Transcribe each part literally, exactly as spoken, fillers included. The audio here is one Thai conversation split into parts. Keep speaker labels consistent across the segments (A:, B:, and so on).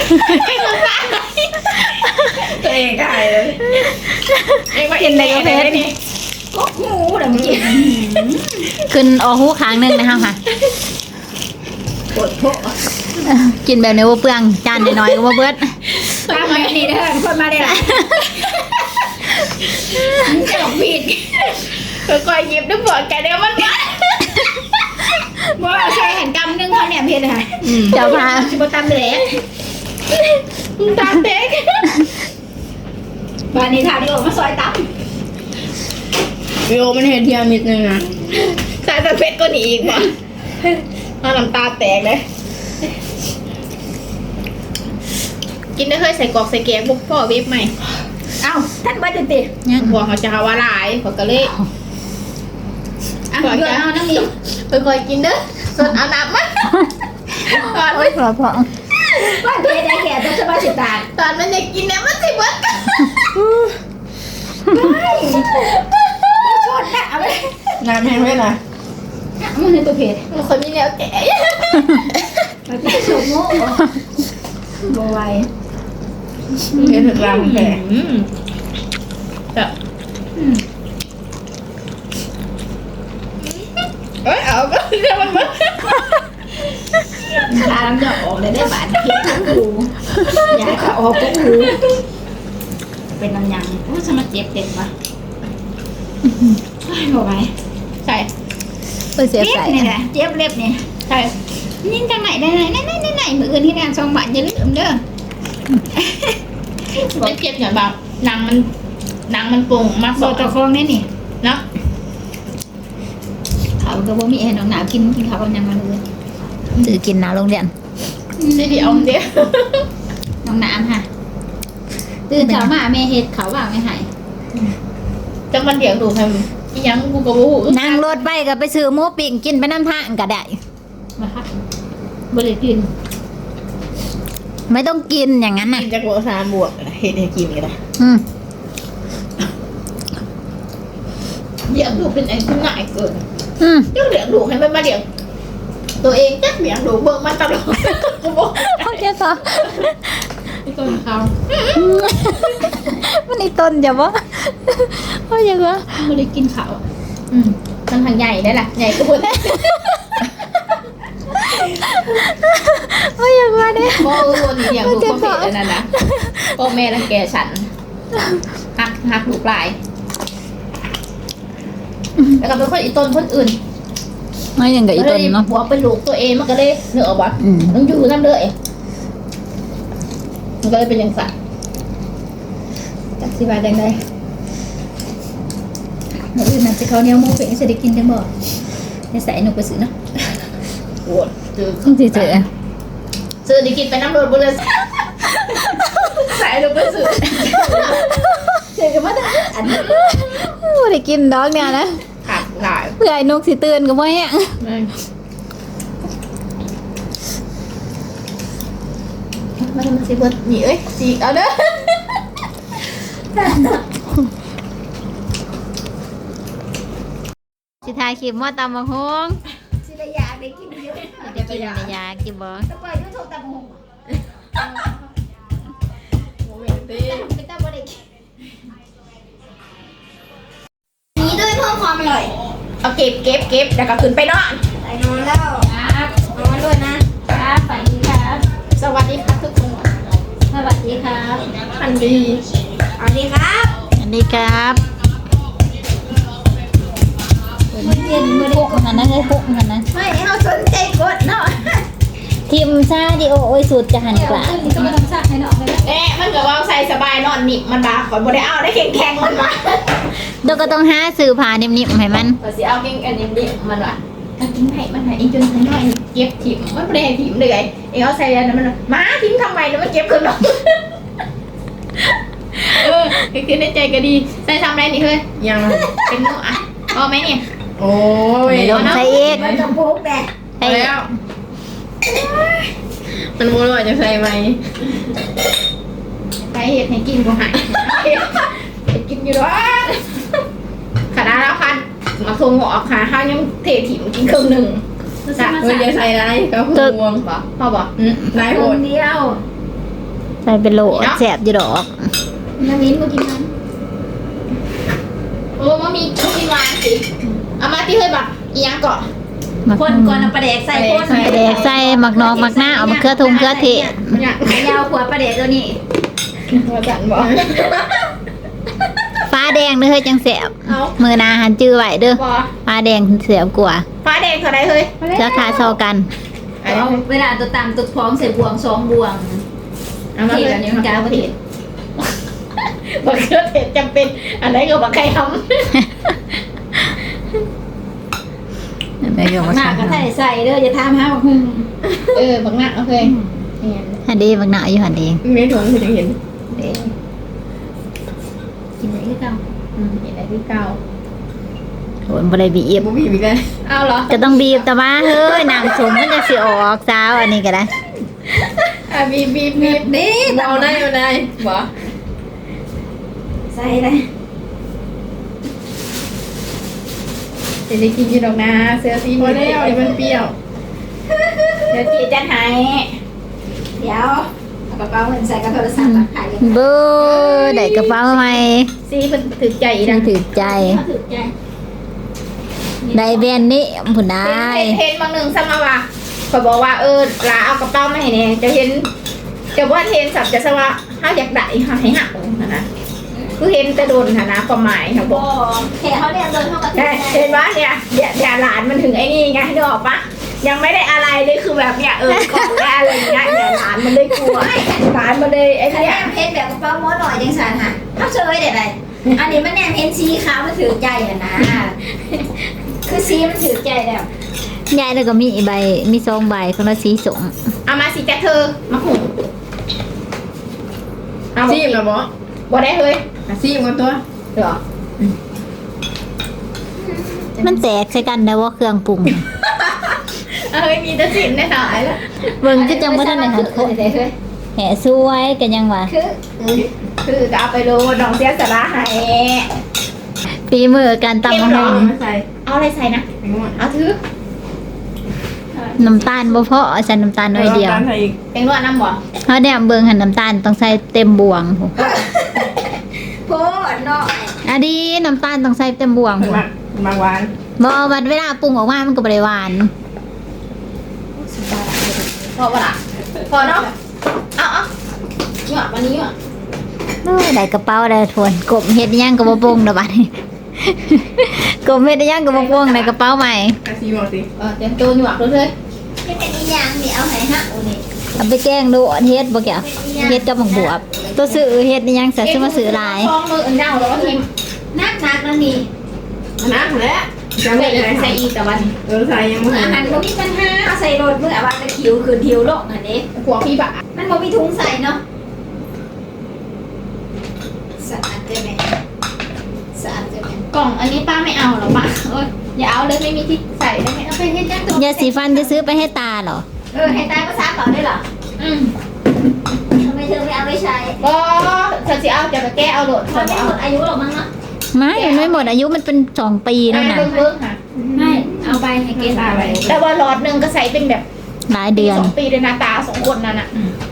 A: ตัวเองได้เลยเองว่าเอ็นเลยก็เพชรนี่ก็งูเดี๋ยวมึงกิน
B: ขึ้นออกหูค้างนึงนะคะค่ะ
A: ปวดโผล่
B: กินแบบนี้ว่าเปลืองจานน้อยๆก็ว่าเบิด
A: ตามมาดีเด้อคนมาได้ละเจ้าผิดค่อยๆหยิบด้วยปวดแกเดี๋ยวมันบ่ใช่เห็นกำนึงเขาเนี่ยเพชรค่ะ
B: เจ้าพา
A: ชิบตามเด็กตามเด็กวันนี้ถ่ายดิโอมาซอยตั้มดิโอมันเห็นเทียมิดนึงนะสายสเปซก็หนีอีกว่ะน้ำตาแตกเลยกินได้เคยใส่กรอกใส่แกงบุกพ่อเวฟใหม่เอ้าท่านบ้าติดติหัวเขาจะหาว่าลายเขาก็เลยอ่ะเดี๋ยวเอาน้ำมีไปคอยกินเด้อส่วนเอาน้ำมันตอนมัน
B: พอพอ
A: ว่าเทได้แก่ต้องสบายสิตาตอนมันจะกินเนี่ยมันสิเบิดกันชดนะเอาไปน้ำแห้งไว้หน่อยมันในตัวเพจมันคนมีแนวแก่มันเป็นโฉมโม่โบไวเพจถึงรางแก่จะเอ้ยเอาก็เดี๋ยวมันมันทางจะออกเลยได้บาดเจ็บทั้งหูอยากจะออกก็หูเป็นน้ำยังโอ้ฉันมาเจ็บเด็กวะบอกไปใช่
B: เจ็บใส่
A: นี่แหละเจ็บเล็บนี่ใช่นี่จังไหนได้ไหนไหนไหนไหนมืออื่นที่งานซองบาทอย่าลืมเด้อไม่เจ็บอย่างแบบหนังมันหนังมันปุ่งมากโซตะฟองนี่นี่เนาะเขาก็บ่มีแอร์หนาวกินกินข้าวกันยังมาเลย
B: ถือกินน้ำโรงเรียน
A: นี่เดี๋ยวเดี๋ยวน้องน้ำค่ะตื่นเช้ามาแม่เฮ็ดเขาว่าไม่หายจังมันเดี๋ยวดูให้ยังกูก็บ่ฮู้
B: นั่งรถไปก็ไปซื้อหมูปิ้งกินไปน้ำทางก็ได้
A: มาค่ะบ่ได้กิน
B: ไม่ต้องกินอย่างนั้นน่ะ
A: กินจากบวกสามบวกเฮ็ดให้กินก็ได้
B: อืม
A: เลี้ยงดูเป็นไอ้ที่ง่ายเกิน
B: อืม
A: จังเลี้ยงดูให้มันมาเลี้ยงตัวเองจักเลี้ยงดูเบิ่งมันตลอดกูบ่
B: โอเคต่อ
A: ไอ้ต้นเขา
B: มันไอ้ต้นจะบ่โอ้ยยังวะ
A: บ่ได้กินข้าวอืมมันทางใหญ่ได้ล่ะใหญ่กว่าเพิ่น
B: โอ้ยยังวะเนี่ย
A: บ่เออนี่อย่างลูกบ่เป็นอันนั้นนะพ่อแม่รังแกฉันหักหักลูกหลายแล้วก็เป็นคนอีต้นคนอื่น
B: ไม่ยังกับอีต้นเนาะ
A: หัวเป็นลูกตัวเองมันก็เลยเนื้อออกบ่ต้องอยู่นั่นเลยมันก็เลยเป็นอย่างสัตว์จักสิบาทจังไดเมื่ออื่นน่ะสิเขาเนี่ยมูเป็นสิได้กินจังบ่ได้ใส่หนูไปซื้อเนาะโอ้เจอ
B: จริงๆเจอ
A: ซื้อได้กินไปน้ำรดบ่เลยใส่หนูไปซื้อเจอกันมาอันนี้
B: บ่ได้กินดอกเนี่ยนะ
A: ขาดหลาย
B: เพื่อไอ้นกสิตื่นก็บ่แฮง
A: มาทำสิเบิดหนีเอ้ยจีเอาเด้อ
B: สิถ่ายคลิปว่าตำบักหุ่ง
A: สิได้ยาได้กินเยอะ
B: เดี๋ยวไปกินได้ยากินบ่
A: จะปล่อยยูทูบตำบักหุ่งโมเมนต์ดิไม่ต้องบ่ได้กินนี้ด้วยเพิ่มความอร่อยเอาเก็บเก็บเก็บแล้วก็ขึ้นไปนอนไปนอนแล้วครับนอนด้วยนะครับสวัสดีครับสวัสดีครับทุกคนสวัสดีครับอันดีสวัสดีครับ
B: อันนี้ครับ
A: เย็นไม่ได้
B: พวกมันนะให้พวกมันนะ
A: ไม่เขาสนใจกดเนาะ
B: ทีมซาดิโอโอ้ยสุดจะหันกว่า
A: ก็ไม่ต้องซาให้เนาะเอ๊ะมันก็ว่าใส่สบายนอนนิ่มมันบาขอนบ่ได้เอาได้แข็งแข็งมันมา
B: เราก็ต้องหาสื่อผ่านิ่มๆให้มัน
A: ก็สิเอาแข็งอันนิ่มๆมันว่ะกินให้มันให้อีจนทั้งน้อยเก็บถิ่มมันบ่ได้ถิ่มเลยเอ๊ะเอาใส่อันนั้นมันมาทิ้งทำไมแล้วมันเก็บขึ้นหรอเออคือในใจก็ดีใส่ทำอะไรนี่เฮ้ยยังเป็นหนูอ่ะพอไหมเนี่ยโอ้ย
B: ลงใส่อีก
A: มันจะพุกแดดไปแล้วมันมัวว่าจะใส่ไหมไปเห็ดให้กินกูหายเห็ดกินอยู่ด้วยขนาดแล้วคันมาทงหัวขาข้าวยังเทถิ่มกินครึ่งหนึ่งจ้ะเฮ้ยจะใส่อะไรก็คือวงป่ะพ่อบอกนายโหดเดียว
B: ใส่เป็นโหลแสบอยู่ดอก
A: น้ำมิ้นมากินมันโอ้มามีมามีหวานสิเอามาที่เฮ้ยบักอีหยังเกาะ
C: คนก่อนเอาปลาแดกใส่คน
B: ปลาแดกใส่หมักนอกหมักหน้าเอามะเขือทุ่งเขือเทศ
A: มันอยาก
C: ไอ้ยาวขวดปลาแดกตัวนี้
A: มาจันบอก
B: ฟ้าแดงเด้อเฮ้ยจังแสบ
A: เอา
B: มือหนาหันจื้อไว้เด้อ
A: บอ
B: ฟ้าแดงเสียบกว่า
A: ฟ้าแดงเท่าไรเฮ้ย
B: ราคาเท่ากัน
C: เอาเวลาตัวตำตัวพร้อมใส่บวงสองบวง
A: เอามา
C: เท
A: เลย
C: แบบนี้มันกลายเป็นเทศ
A: บักเขือเทศจำเป็นอันไหนก็บักไก่ท
B: ไม่ยอม
C: หน้าก็ใส่ใส่เด้ออย่าทำฮะบักหุ่ง
A: ำเออบักหนักโอเคเนี่ย
B: หันดีหมักหน้าอยู่หันดี
A: ไม่ถุงคุณจะเห็น
C: เด้กินได้ที่เก่า
A: อืมเห็นอะไรที่เก่า
B: โหนบ่ได้บีบ
A: บุบีบีกันเอาเหรอ
B: จะต้องบีบแต่ว่าเฮ้ยน้ำสมมันจะสิออกสาวอันนี้ก็ได้
A: อ่ะบีบบีบบีบ
C: เด้
A: เอาได้เอาได้บอ
C: ใส่เลย
A: จะได้กินยี่ดอกนะเสื้อสีพอแล้วเดี๋ยวมันเปรี้ยว
C: เดี๋ยวจีจะหายเดี๋ยวเอากระเป๋าเงินใส่กระโทรศัพท์มาขายเลย
B: เบ้อได้กระเป๋าใหม่
A: สีมันถึกใจอี
B: ที่
A: นะ
B: ถือใจ
C: เขาถือใจ
B: ได้แบรนด์นี้ผุนได้
A: เห็นเห็นบางหนึ่งซ้ำมาว่าเขาบอกว่าเออลาเอากระเป๋ามาให้เนี่ยจะเห็นจะว่าเห็นสับจะสว่าห้าอยากได้ห้าให้หักนะนะคือเห็นแต่โดนนะนะความหมายเขาบ
C: โอ้
A: อก
C: แค่เขาเรียกโดนเขากระ
A: ใช่เห็นว่าเนี่ยเดี๋ยวเดี๋ยวหลานมันถึงไอ้นี่ไงนึกออกปะยังไม่ได้อะไรเลยคือแบบเนี่ยเออก่อนได้อะไรอย่างเงี้ยเนี่ยหลานมันเลยกลัวหลานมันเลยไอ้
C: ถ้า
A: เนี่
C: แน
A: ย
C: มเพชรแบบกระเป๋าม้วนหน่อยจังสันค่ะเขาเชยเด็ดอะไรอันนี้มันแนมเพชรสีขาวมันถือใจอ่ะนะคือสีมันถือใจแล้ว
B: ยายแล้วก็มีใบมีซองใบคนละสีสม
A: เอามาสิจ้ะเธอมาหุงเอา
D: ซีมเหรอหมอ
A: บ่ได้เฮ้ย
D: อ่ะซีมกันตัว
A: เหรอ
B: มันแตกใส่กันได้ว่าเครื่องปรุง
A: เฮ้ยมีแต่สินในสายแล้ว
B: เบิ่งก็จังบ่ทันได้หัด
C: คือเด็ดเลย
B: แหะสวยกันยังว่า
C: คือ
A: คือจะเอาไปโรยน้องเสียสาระให้
B: ปีมือการตำมะฮง
D: มาใส่
A: เอาอะไรใส่นะ
D: แตงโม
A: เอาถือ
B: น้ำตาลบ่พอใส่น้ำตาลน้อยเดียว
D: ตามใส่อีก
A: เป็นนวดน้ำบ่
B: เพราะเนี่ยเบิ่งหันน้ำตาลต้องใส่เต็มบวงพู้
C: โพดหน่อย
B: อะดีน้ำตาลต้องใส่เต็มบวง
D: มัน
B: พู้
D: มามาหวาน
B: บ่วันเวลาปรุงออกมามันก็บ่ได้หวาน
A: พอปะล่ะพอเนาะเอาเอาหยอดวันนี้หยอด
B: โอ้ยได้กระเป๋าได้ทวนกบเฮ็ดอิหยังก็บ่ปรุงดอกบัดนี้ กบเฮ็ดอิหยังก็บ่ปรุงในกระเป๋าใหม่
D: อ่ะซีมเอาสิ
A: เออเตรียมตัวหยอดเลยเลย
C: นี่เป็นอีหยังนี่เอาให้ฮะโอ้นี่
B: เอาไปแกงดูอันเฮ็ดบ่แก่เฮ็ดกับหมกบวบตัวซื้อเฮ็ดอิหยังซะซื้อมาซื้อหลาย
A: ฟองมืออื่นเน่าแล้วก็ทิม
C: นักนักแล้วนี่
D: น้ำแล้วจะ
A: ใส่
D: ไม่
A: อี
D: ได้
A: กใส่อีกแต่วัน
D: เออใส่ยังไม่
C: อาหารบ่มีปัญหาเอาใส่รถเมื่อวันตะคิวคือทิวโลกอันนี้
A: หัวพี่บะ
C: มันบ่มีถุงใส่เนาะสะอาดจังแม่สะอาดจังแม่
A: กล่องอันนี้ป้าไม่เอาหรอกป้าเอ้ยอย่าเอาเลยไม่มีที่ใส่ได้ไหมเอาไปเฮ็ดจ้าตัวย
B: าสีฟันจะซื้อไปให้ตาเหรอ
C: เออให้ตายภาษาเปล่าได้เหรอ
A: อืม
C: ทำไมเธอไม่เอาไปใช้
A: ก็เธอสิเอาจะไปแก้เอาโหลด
C: มันไม่หมดอายุหรอกมั้งเนาะ
B: ไม่มันไม่หมดอายุมันเป็นสองปีแล้วนะ
A: เบิ้งเบิ้งค่ะ
C: ไม่เอาไปให้เกณฑ์อะไร
A: แต่ว่าหลอดหนึ่งก็ใส่เป็นแบบ
B: หลายเดือน
A: สองปีเลยนะตาสองคนนั่นน่ะ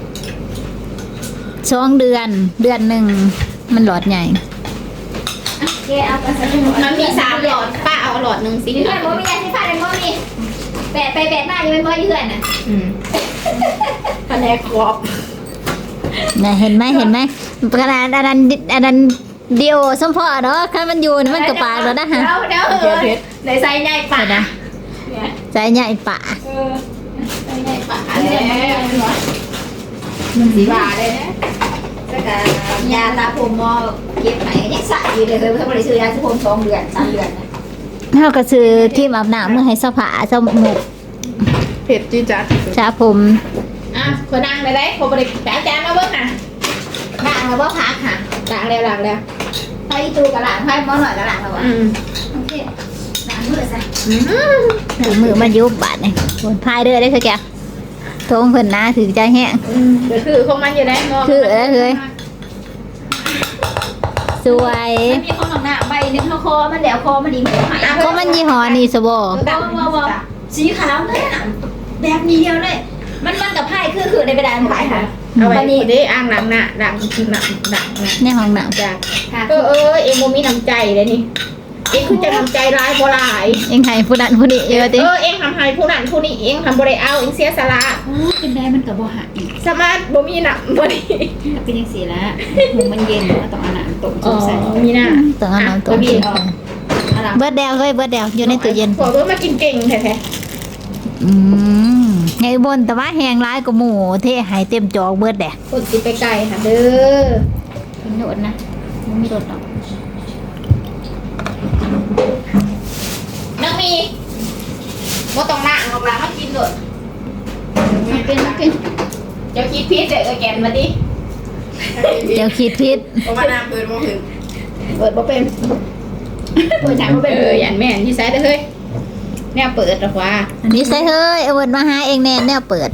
B: สองเดือนเดือนหนึ่งมันหลอดใหญ่
C: แกเอาไปใส่
A: มันมีสามหลอดป้าเอาหลอดหนึ่งสิ
C: เพื่อนบ่มียาสีฟันเลยบ่มีแปะไปแปะมาอยู่เป็นบ่อยู่เพื่อนน่ะ
A: อืมคะแนนครบ
B: นะเห็นไหมเห็นไหมกระดานอันนั้นอันนั้นเดียวสมพอเนาะถ้ามันอยู่นี่มันกระปากแล้วนะฮะ
A: เดี๋ยวเดี๋ยวเออในไซส์ใหญ่ป่ะนะ
B: ใจใหญ่ปะ
A: เออไซส์ใหญ่ป่ะเลยมันสีบาเลยนะ
C: แล้วก็ยาตาผมมอเก็บไหนยังใส่อยู่เลยเพิ่นบ่ได้ซื้อยาสีผมสองเดือนสามเดือนนะ
B: เท่ากับซื้อที่อาบน้ำเมื่อให้สภาสมุก
D: เผ็ดจีดจัดที่สุด
B: ชาผม
A: อ่ะคนนั่งเลยได้คนบริจาคจานมาเบิ้งน่ะ
C: ล้างแล้วบ่พักค่ะ
A: ล้างแล้วล้างแล้ว
C: ไปตูกระหล่างให้หมอหน่อยกระหล่างแล้วอ่ะ
A: อืม
C: โอเคล้างมือซะ
B: ถือมือมายุบบาดนี่คนพายเรือได้คือแกทงเพิ่นนะถือใจแห้ง
A: เดี๋ยวคือของมันอยู่ได้มอง
B: คือแล้วเลย สวย
C: มันมีของหนังหน้าใบนึงเท่าคอมันแล้วคอมันดีมันหาย
B: ก็มันยี่ห้อนี่สบอ
C: ว้าวว้าวว้าวสีขาวเลยน่ะแบบนี้เดียวเลย มันมันกับไพ่คือคือในกระดานไพ่ค่ะ
A: เอาไว้นี่ได้อ่างล้างหน้าล้างหน้าล้างหน้า
B: ในห้องน้ำ
A: จ้ะ
C: ค่ะ
A: เออเออเอ็งโมมีน้ำใจเลยนี่เอ็งคือจะน้ำใจร้ายบ่ร้าย
B: เองให้ผู้นั้นผู้นี้เยอะติ
A: เออเอ็งทำให้ผู้นั้นผู้นี้เอ็งทำบ่ได้เอาเอ็งเสียสละ
C: โอ้กินได้มันกับบ่หาย
A: สามารถบ่มีหนักบ่ได้
C: เป็นยังสีละหูมันเย็นมันต้องเอาน้ำต้ม
A: อ๋
C: จุ่
A: อ
C: มใส่
A: มีหน้า
B: ต้องเอาน้ำต้ม
A: บี
B: กิน
A: ออก
C: เอาน้ำ
B: เบิดแดวเฮ้ยเบิดแดวอยู่ในตู้เย็น
A: บอกว่ามากินเก่งแท้
B: อืมไงบนแต่ว่าแหงร้ายกว่าหมูเทให้เต็มจอกเบิดแดะ
A: ๆคนสิไปไกลค่ะเด้อ
C: กินโดดนะมันไม่โดดหรอก
A: น้องมีบ่ต้องนั่งออกหลังมากินโดด
C: มันกินมันกิน
A: เดี๋ยวคิดพีชเดี๋ยวเอาแกนมาดิ
B: เดี๋ยวคิดพิษ
D: เพราะว่าน้ำเปิดบ่ถึง
A: เปิดบ่เป็นเปิดหนังบ่เป็นเอออย่างแม่นที่ไซด์เด้อเฮ้ยแนวเปิดหรอกว่า
B: อันนี้ใส่เฮ้ยเอาเวิร์ดมาหาเองแน่แน่เปิด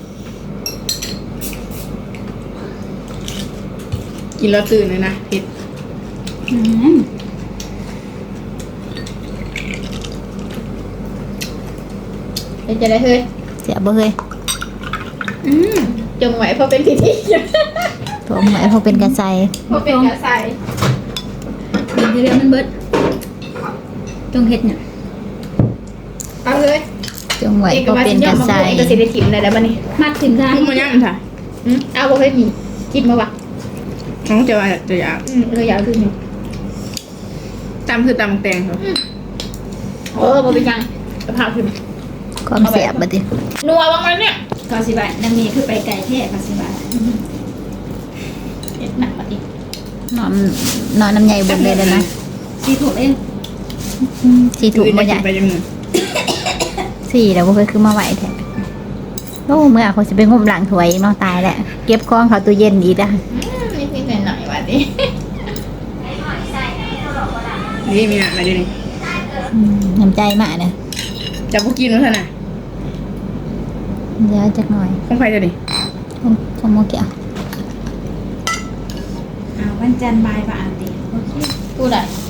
D: กินแล้วตื่นเลยนะเผ็ด
C: อืม
A: เป็นจะได้เฮ้ย
B: เสียบ่เฮ้ย
C: อืม
A: จงไว้เพราะเป็นพิธี
B: ผมหมายพอเป็นกระใส
A: เพราะเป็นกระใส
C: กินเรื่อยๆมันเบิดจงเฮ็ดเนี่ย
A: เอาเลย
B: จงไหว
A: เอก
B: พอ
A: มา
B: เป็
A: สิ
B: น
A: ย
B: ก
A: อ
B: ระ
A: มมา
B: ใส
A: พูดเอกสิได้ถิ่มได้แล้วบัดนี้
C: มัดถึงได้
D: มึงมาย่ำถ่ะ
A: อืมเอาบ่เคยมีกินมาวะ
D: น้องจะว่าจะอยาก
A: อืมเลยอยากคือนี่
D: ตำคือตำแตงครับ
A: เออบ่เป็นยังกระเพราขึ้น
B: ความเสียบบัดนี้
A: นัวบ้างไหมเนี่ย
C: กอสิบายนางมีคือไปไก่แท้กอสิบาย
A: เห็ดหนักบัดนี้
B: นอนนอนน้ำใหญ่บนเลยแล้วนะ
C: สีถูกเอง
B: อืมสี่ถุงบ่ใหญ่
D: ไปยังมือ
B: สี่แล้วบ่เคยคือมาไหวแท้โอ้เมื่อเขาจะไปงมหลังถวยอีกเนาะตายแล้วเก็บของเขาตู้เย็นอีกอ่ะ
A: นิดนิดหน่อยหน่อยบัดนี้
D: นี่มีอะมาดูนี่
B: อืมน้ำใจมากเนี่ย
D: จะพวกกินมั้ยท่านน่ะ
B: เดี๋ยวจักหน่อย
D: ของใครจะนี่
B: ของของโมเกียว
C: เอาวันจันทร์บ่ายบ่ายตีโอเค
A: พูดได้
C: อ